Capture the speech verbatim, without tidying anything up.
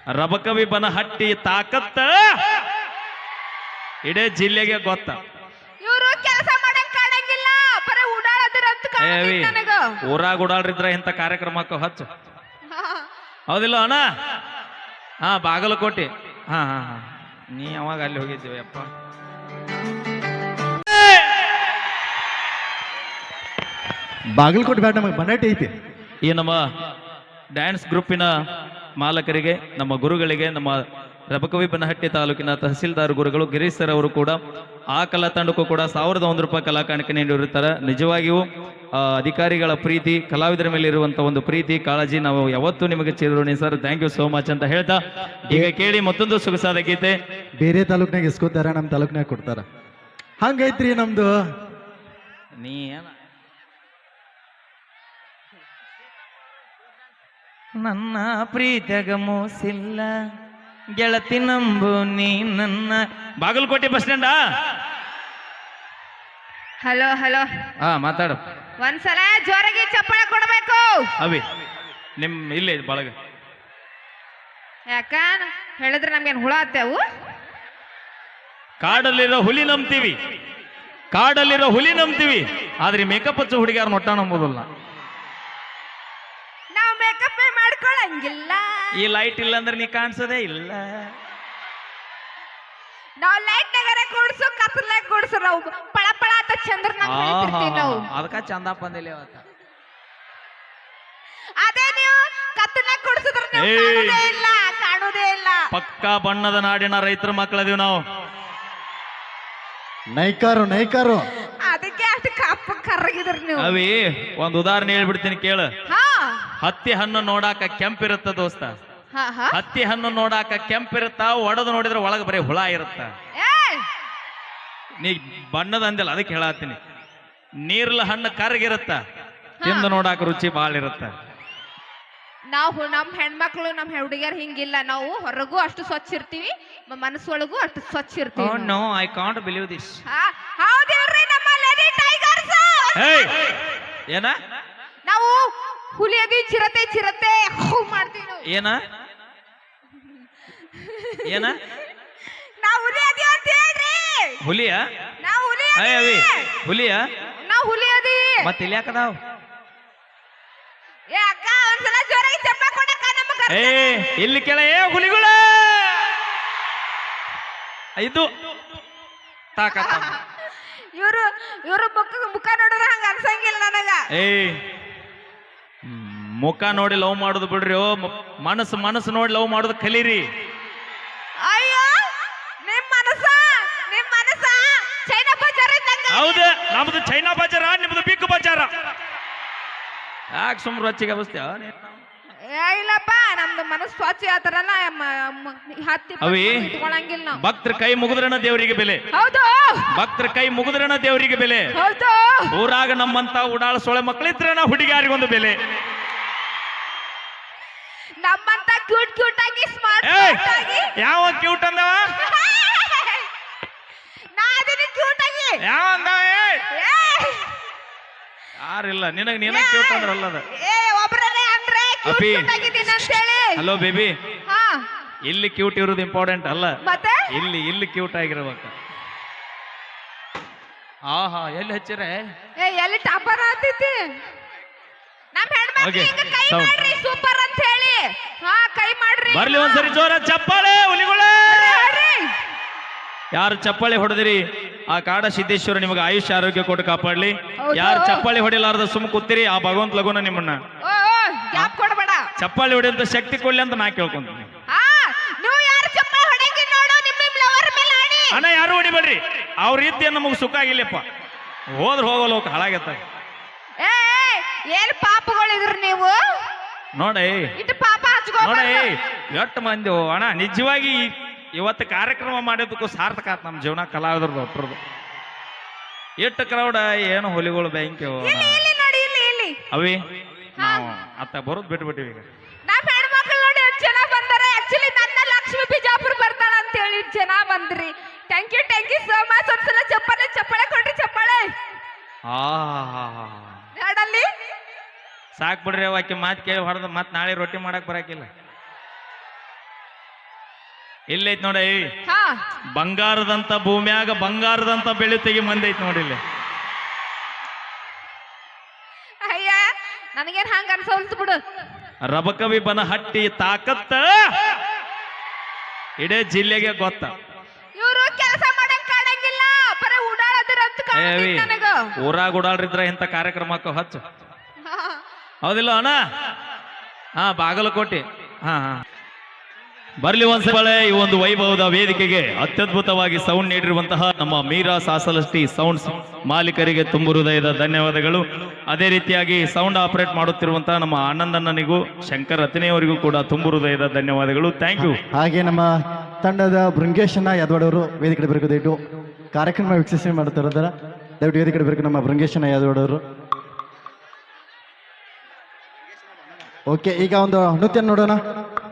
ರಬಕವಿ ಬನಹಟ್ಟಿ ತಾಕತ್ತ ಇಡೇ ಜಿಲ್ಲೆಗೆ ಗೊತ್ತ. ಇವರು ಕೆಲಸ ಮಾಡಕ್ ಕಾಣಂಗಿಲ್ಲ, ಬರೀ ಓಡಾಡದ್ರ ಅಂತ ಕಾಣಂಗಿಲ್ಲ ನನಗ. ಊರಾಗ ಓಡಾಡ್ರಿದ್ರ ಇಂಥ ಕಾರ್ಯಕ್ರಮಕ್ಕೆ ಹಚ್ಚು, ಹೌದಿಲ್ಲ ಅಣ್ಣ? ಹಾ, ಬಾಗಲಕೋಟೆ. ಹಾ ಹಾ ಹಾ ನೀ ಯಾವಾಗ ಅಲ್ಲಿ ಹೋಗಿದ್ದೀವಿ ಅಪ್ಪ? ಬಾಗಲಕೋಟೆ ಬ್ಯಾಡ, ನಮಗೆ ಬನ್ನಟ್ಟಿ ಐತಿ. ಈ ನಮ್ಮ ಡ್ಯಾನ್ಸ್ ಗ್ರೂಪಿನ ಮಾಲಕರಿಗೆ, ನಮ್ಮ ಗುರುಗಳಿಗೆ, ನಮ್ಮ ರಬಕವಿ ಬನಹಟ್ಟಿ ತಾಲೂಕಿನ ತಹಸೀಲ್ದಾರ್ ಗುರುಗಳು ಗಿರೀಶ್ ಸರ್ ಅವರು ಕೂಡ ಆ ಕಲಾ ತಂಡಕ್ಕೂ ಕೂಡ ಸಾವಿರದ ಒಂದು ರೂಪಾಯಿ ಕಲಾ ಕಾಣಿಕೆ ನೀಡಿರುತ್ತಾರೆ. ನಿಜವಾಗಿಯೂ ಅಧಿಕಾರಿಗಳ ಪ್ರೀತಿ, ಕಲಾವಿದರ ಮೇಲೆ ಇರುವಂತ ಒಂದು ಪ್ರೀತಿ, ಕಾಳಜಿ ನಾವು ಯಾವತ್ತೂ ನಿಮಗೆ ಚಿರೋಣಿ sir. Thank you so much ಅಂತ ಹೇಳ್ತಾ ಈಗ ಕೇಳಿ ಮತ್ತೊಂದು ಸೊಗಸಾದ ಗೀತೆ. ಬೇರೆ ತಾಲೂಕ್ನಾಗ ಇಸ್ಕೋತಾರ, ನಮ್ಮ ತಾಲೂಕ್ನಾಗ ಕೊಡ್ತಾರ, ಹಂಗೈತ್ರಿ ನಮ್ದು. ನೀ ಏನ ನನ್ನ ಪ್ರೀತಿಯಾಗ ಮೋಸಿಲ್ಲ ಗೆಳತಿ ನಂಬು ನೀ ನನ್ನ. ಬಾಗಲಕೋಟೆ ಬಸ್ ಸ್ಟ್ಯಾಂಡಾ? ಹಲೋ ಹಲೋ, ಹಾ ಮಾತಾಡು. ಒಂದ್ಸಲ ಜೋರಾಗಿ ಚಪ್ಪಳ ಕೊಡ್ಬೇಕು. ಅವಿ ನಿಮ್ ಇಲ್ಲೇ ಬಳಗ ಯಾಕ ಹೇಳಿದ್ರೆ ನಮ್ಗೇನ್ ಹುಳ ಆತೇವು? ಕಾಡಲ್ಲಿರೋ ಹುಲಿ ನಂಬ್ತೀವಿ, ಕಾಡಲ್ಲಿರೋ ಹುಲಿ ನಂಬ್ತೀವಿ, ಆದ್ರೆ ಮೇಕಪ್ ಹಚ್ಚೋ ಹುಡುಗಿಯಾರ ನೊಟ್ಟ ನಂಬೋದಿಲ್ಲ. ನಾವು ಮೇಕಪ್ ಮಾಡ್ಕೊಳಂಗಿಲ್ಲ. ಈ ಲೈಟ್ ಇಲ್ಲ ಅಂದ್ರೆ ನೀ ಕಾಣಿಸೋದೇ ಇಲ್ಲ. ನಾವು ಲೈಟ್ ನಗರ ಕೂಡ್ಸು, ಕತ್ತಲಾಗ ಕೂಡ್ಸು, ನಾವು ಪಳ ಪಳ ಅಂತ ಚಂದ್ರನಾಗ ಬೆಳಿತಿರ್ತೀವಿ ನಾವು. ಅದಕ್ಕ ಚಂದ ಬಂದಿಲ್ಲ ಅವತ್ತ. ಅದೇ ನೀವು ಕತ್ತಲಾಗ ಕೂಡ್ಸಿದ್ರೆ ನೀವು ಕಾಣೋದೇ ಇಲ್ಲ, ಕಾಣೋದೇ ಇಲ್ಲ. ಪಕ್ಕಾ ಬಣ್ಣದ ನಾಡಿನ ರೈತರ ಮಕ್ಕಳದೀವಿ ನಾವು. ನೈಕಾರು ನೈಕಾರು ಅದಕ್ಕೆ ಅಷ್ಟು ಕಪ್ಪ ಕರ್ರಗಿದ್ರಿ ನೀವು. ಅವಿ ಒಂದ್ ಉದಾಹರಣೆ ಹೇಳ್ಬಿಡ್ತೀನಿ ಕೇಳು. ಹಾ, ಹತ್ತಿ ಹಣ್ಣು ನೋಡಾಕ ಕೆಂಪಿರುತ್ತ ದೋಸ್ತ, ಹಾ, ಹಾ. ಹತ್ತಿ ಹಣ್ಣು ನೋಡಾಕ ಕೆಂಪಿರುತ್ತ, ಒಡೆದು ನೋಡಿದ್ರೆ ಒಳಗೆ ಬರೀ ಹುಳ ಇರುತ್ತ. ಏಯ್! ನೀ ಬಣ್ಣದ ಅಂದಿಲ್ಲ, ಅದಕ್ಕೆ ಹೇಳತ್ತೀನಿ. ನೀರ್ಲ ಹಣ್ಣು ಕರ್ಗಿರುತ್ತ, ತಿಂದು ನೋಡಾಕ ರುಚಿ ಬಾಳ ಇರುತ್ತ. ನಾವು ನಮ್ ಹೆಣ್ಮಕ್ಳು, ನಮ್ ಹುಡುಗಿಯರ್ ಹಿಂಗಿಲ್ಲ. ನಾವು ಹೊರಗೂ ಅಷ್ಟು ಸ್ವಚ್ಛ ಇರ್ತೀವಿ, ಮನಸ್ಸೊಳಗೂ ಅಷ್ಟು ಸ್ವಚ್ಛ ಇರ್ತೀವಿ. No I can't believe this. ಹೌದಿಲ್ರಿ ನಮ್ಮ ಲೇಡಿ ಟೈಗರ್ಸ್? ಏನ ನಾವು ಹುಲಿ ಅದಿ, ಚಿರತೆ ಚಿರತೆ ಹೂ ಮಾಡ್ತೀವಿ ನಾವು. ಏನ ಏನ ನಾವು ಹುಲಿ ಅದಿ ಅಂತ ಹೇಳ್ರಿ. ಹುಲಿಯ? ನಾವು ಹುಲಿ ಅಯ್ಯ ಅವಿ ಹುಲಿಯ? ನಾವು ಹುಲಿ ಅದಿ. ಮತ್ತೆ ಇಲ್ಲಿ ಯಾಕದಾವ್? ಏ ಅಕ್ಕ, ಒಂದ್ಸಲ ಜೋರಾಗಿ ಚಪ್ಪ ಕೊಡಕ್ಕ ನಮಗ. ಏ ಇಲ್ಲಿ ಕೆಳ ಏ ಹುಲಿಗಳ ಇದು ತಾಕತ್ತ. ಇವರು ಇವರು ಮುಖ ಮುಖ ನೋಡಿದ್ರೆ ಹಂಗ ಅನ್ಸಂಗಿಲ್ಲ ನನಗ. ಏ ಮುಖ ನೋಡಿ ಲವ್ ಮಾಡುದು ಬಿಡ್ರಿ, ಮನಸ್ಸು ಮನಸ್ಸು ನೋಡಿ ಲವ್ ಮಾಡುದು ಕಲೀರಿ. ಅಯ್ಯೋ, ನಿಮ್ ಮನಸ್ಸ ನಿಮ್ ಮನಸ್ಸ ಚೈನಾ ಬಜಾರ್ ಇದ್ದಂಗ. ಹೌದ, ನಮ್ದು ಚೈನಾ ಬಜಾರ, ನಿಮ್ದು ಬಿಗ್ ಬಜಾರ. ಯಾಕೆ ಸುಮ್ರು ರಚ್ಚಿಗೆ ಅವಸ್ಥೆ? ಏ ಇಲ್ಲಪ್ಪ, ನಮ್ದು ಮನಸ್ಸು ಸ್ವಚ್ಛ ಆತರಲ್ಲ, ಹತ್ತಿ ಅವಿ ಇಟ್ಕೊಳಂಗಿಲ್ಲ ನಾವು. ಭಕ್ತರ ಕೈ ಮುಗಿದ್ರನ ದೇವರಿಗೆ ಬೆಲೆ. ಹೌದು, ಭಕ್ತರ ಕೈ ಮುಗಿದ್ರನ ದೇವರಿಗೆ ಬೆಲೆ. ಹೌದು. ಊರಾಗ ನಮ್ಮಂತ ಉಡಾಳ ಸೊಳೆ ಮಕ್ಕಳಿದ್ರನ ಹುಡುಗಿಯಾರಿಗೊಂದು ಬೆಲೆ. ನಮ್ಮಂತ ಕ್ಯೂಟ್ ಕ್ಯೂಟ್ ಆಗಿ ಸ್ಮಾರ್ಟ್ ಆಗಿ. ಯಾವ ಕ್ಯೂಟ್ ಅಂದವ? ನಾ ಅದನ್ನ ಕ್ಯೂಟ್ ಆಗಿ. ಯಾವ ಅಂದವ? ಯಾರಿಲ್ಲ ನಿನಗ, ನೀನ ಕ್ಯೂಟ್ ಅಂದ್ರಲ್ಲ ಅದ. ಏ ಒಬ್ರೇ ಅಂದ್ರೆ ಕ್ಯೂಟ್ ಅಪಿ. ಕ್ಯೂಟ್ ಆಗಿದ್ದೀನಿ ಅಂತ ಹೇಳಿ. ಹಲೋ ಬೇಬಿ, ಹಾ ಇಲ್ಲಿ ಕ್ಯೂಟ್ ಇರೋದು ಇಂಪಾರ್ಟೆಂಟ್ ಅಲ್ಲ, ಮತ್ತೆ ಇಲ್ಲಿ ಇಲ್ಲಿ ಕ್ಯೂಟ್ ಆಗಿರ್ಬೇಕು. ಆಹಾ ಎಲ್ಲಿ ಹಚ್ಚಿರೆ? ಏ ಎಲ್ಲಿ ಟಾಪರ್ ಆತೈತಿ ನಮ್ ಹೆಣ್ಮಕ್ಳಿಗೆ ಕೈ sound. ಮಾಡ್ರಿ ಸೂಪರ್ ಅಂತ ಹೇಳಿ. ಹಾ ಕೈ ಮಾಡ್ರಿ. ಬರ್ಲಿ ಒಂದ್ಸರಿ ಜೋರ ಚಪ್ಪಾಳೆ ಹುಲಿಗಳೇ. ಯಾರು ಚಪ್ಪಾಳೆ ಹೊಡೆದಿರಿ ಆ ಕಾಡ ಸಿದ್ದೇಶ್ವರ ನಿಮಗೆ ಆಯುಷ್ಯ ಆರೋಗ್ಯ ಕೊಟ್ಟು ಕಾಪಾಡ್ಲಿ. ಯಾರು ಚಪ್ಪಾಳೆ ಹೊಡಿಲಾರ್ದ ಸುಮ್ ಕೂತಿರಿ ಆ ಭಗವಂತ ಲಗುನ ನಿಮ್ಮನ್ನ ಓ ಓ ಗ್ಯಾಪ್ ಕೊಡಬೇಡ. ಚಪ್ಪಾಳೆ ಹೊಡೆಯಂತ ಶಕ್ತಿ ಕೊಡ್ಲಿ ಅಂತ ನಾ ಕೇಳ್ಕೊಂತೀನಿ. ಹಾ ನೀವು ಯಾರು ಚಪ್ಪಾಳೆ ಹೊಡೆಯಂಗಿಲ್ಲ ನೋಡು, ನಿಮ್ಮ ನಿಮ್ಮ ಲವರ್ ಮೇಲೆ ಆಡಿ. ಅಣ್ಣ ಯಾರು ಹೊಡಿಬೇಡ್ರಿ, ಅವ್ರ ರೀತಿ ನಮಗೆ ಸುಖ ಆಗಿಲ್ಲಪ್ಪ, ಹೋದ್ರ ಹೋಗಲ್ಲ ಹೋಗ ಹಾಳಾಗತ್ತ. ಏ ಏನ್ ಪಾಪಗಳಿದ್ರಿ ನೀವು ನೋಡಿ, ಇಟ್ಟು ಪಾಪ ನೋಡಿ ಹಚ್ಕೋಬೇಡ. ಎಷ್ಟು ಮಂದಿ ಅಣ್ಣ ನಿಜವಾಗಿ ಇವತ್ತು ಕಾರ್ಯಕ್ರಮ ಮಾಡೋದಕ್ಕೂ ಸಾರ್ಥಕ ಆತ್ ನಮ್ಮ ಜೀವನ ಕಲಾವಿದ್ರದ್ದು ಒಟ್ಟರದು. ಎಷ್ಟು ಕ್ರೌಡ ಏನು ಹುಲಿಗಳು ಬ್ಯಾಂಕ್ ಇಲ್ಲಿ ಇಲ್ಲಿ ನೋಡಿ, ಇಲ್ಲಿ ಇಲ್ಲಿ ಅವಿ ನಾವು ಅತ್ತ ಬರೋದು ಬಿಟ್ಬಿಟ್ಟಿವಿ ಈಗ. ನಮ್ಮ ಹೆಣ್ಮಕ್ಳು ನೋಡಿ ಎಷ್ಟು ಜನ ಬಂದಾರೆ. ಆಕ್ಚುಲಿ ನನ್ನ ಲಕ್ಷ್ಮಿ ಬಿಜಾಪುರ ಬರ್ತಾಳ ಅಂತ ಹೇಳಿ ಇಷ್ಟು ಜನ ಬಂದ್ರಿ. Thank you thank you so much. ಒಂದ್ಸಲ ಚಪ್ಪಾಳೆ ಚಪ್ಪಾಳೆ ಕೊಡ್ರಿ, ಚಪ್ಪಾಳೆ. ಆ ನೋಡಲ್ಲಿ ಸಾಕ್ ಬಿಡ್ರಿ, ಆಕೆ ಮಾತು ಕೇಳಿ ಹೊಡೆದು ಮತ್ತೆ ನಾಳೆ ರೊಟ್ಟಿ ಮಾಡಕ್ ಬರಾಕಿಲ್ಲ. ಇಲ್ಲೈತ್ ನೋಡಿ ಹಾ ಬಂಗಾರದಂತ ಭೂಮ್ಯಾಗ ಬಂಗಾರದಂತ ಬೆಳೆ ತೆಗಿ ಮಂದಿ ಐತ್ ನೋಡಿ ಇಲ್ಲಿ. ಅಯ್ಯ ನನಗೇನ್ ಹಂಗ ಅನ್ಸೋಲ್ತು ಬಿಡು. ರಬಕವಿ ಬನಹಟ್ಟಿ ತಾಕತ್ತ ಇಡೇ ಜಿಲ್ಲೆಗೆ ಗೊತ್ತ. ಇವ್ರು ಕೆಲಸ ಮಾಡಕ್ ಕಾಣಂಗಿಲ್ಲ, ಬರೀ ಓಡಾಡದ್ರ ಅಂತ ಕಾಣ್ತೈತಿ ಏವಿ ನನಗ. ಊರಾಗ ಓಡಾಡ್ರಿದ್ರ ಇಂಥ ಕಾರ್ಯಕ್ರಮಕ್ಕ ಹಚ್ಚು. ಹೌದಿಲ್ಲ ಅಣ್ಣ? ಹಾ ಬಾಗಲಕೋಟೆ. ಹಾ ಹಾ ಬರ್ಲಿ ಒಂದ್ಸಲ ಈ ಒಂದು ವೈಭವದ ವೇದಿಕೆಗೆ ಅತ್ಯದ್ಭುತವಾಗಿ ಸೌಂಡ್ ನೀಡಿರುವಂತಹ ನಮ್ಮ ಮೀರಾ ಸಾಸಲಷ್ಟಿ ಸೌಂಡ್ಸ್ ಮಾಲೀಕರಿಗೆ ತುಂಬು ಹೃದಯದ ಧನ್ಯವಾದಗಳು. ಅದೇ ರೀತಿಯಾಗಿ ಸೌಂಡ್ ಆಪರೇಟ್ ಮಾಡುತ್ತಿರುವಂತಹ ನಮ್ಮ ಆನಂದಣ್ಣನಿಗೂ ಶಂಕರ್ ರತ್ನೆಯವರಿಗೂ ಕೂಡ ತುಂಬು ಹೃದಯದ ಧನ್ಯವಾದಗಳು. Thank you. ಹಾಗೆ ನಮ್ಮ ತಂಡದ ಬೃಂಗೇಶನ ಯಾದವಾಡವರು ವೇದಿಕೆ ಬರಬೇಕು. ದಯವಿಟ್ಟು ಕಾರ್ಯಕ್ರಮ ವೀಕ್ಷಣೆ ಮಾಡ್ತಾರ ದಯವಿಟ್ಟು ವೇದಿಕೆ ಬರಬೇಕು ನಮ್ಮ ಬೃಂಗೇಶನ ಯಾದವಾಡವರು. ಓಕೆ, ಈಗ ಒಂದು ನೃತ್ಯ ನೋಡೋಣ.